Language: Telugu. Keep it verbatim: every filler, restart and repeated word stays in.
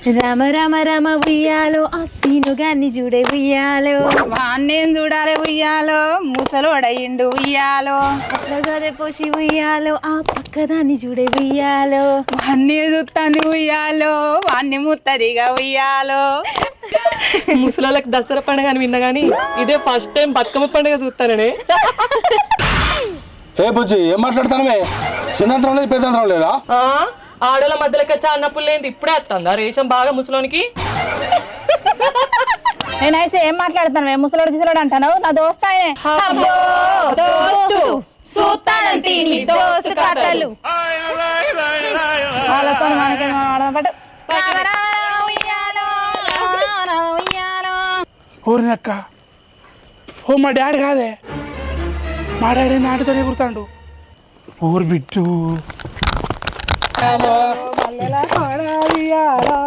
రమ రమ రమ ఉయ్యాలో ఆ సీను గాన్ని చూడే ఉయ్యాలో వాణ్ణేం చూడాలి ఉయ్యాలో ముసలోడయిండు ఉయ్యాలో అట్లా గదే పోసి ఉయ్యాలో ఆ పక్కదాన్ని చూడే ఉయ్యాలో వాణ్ణి చూస్తాను ఉయ్యాలో వాణ్ణి ముత్తదిగా ఉయ్యాలో. ముసలాళ్ళకి దసరా పండుగ అని విన్నా కానీ ఇదే ఫస్ట్ టైం బతుకమ్మ పండుగ చూస్తాననే. ఏ బుజ్జి ఏం మాట్లాడతానమే? చిన్నంతరం లేదు పెద్దంతరం లేదా? ఆడోళ్ళ మధ్యలోకి వచ్చి అన్నప్పుడు లేని ఇప్పుడే వస్తుందా రేషం బాగా ముసలోనికి? నేనైతే ఏం మాట్లాడుతాను ముసలోడు గిసలోడు అంటాను నా దోస్త్ ఆయనే. వాళ్ళతో మనకేం ఆడబట్టు ఊరినక్క ఓ మా డాడీ కాదే, మా డాడీ నాటితోనే కుడతాడు. ఊరు బిట్టు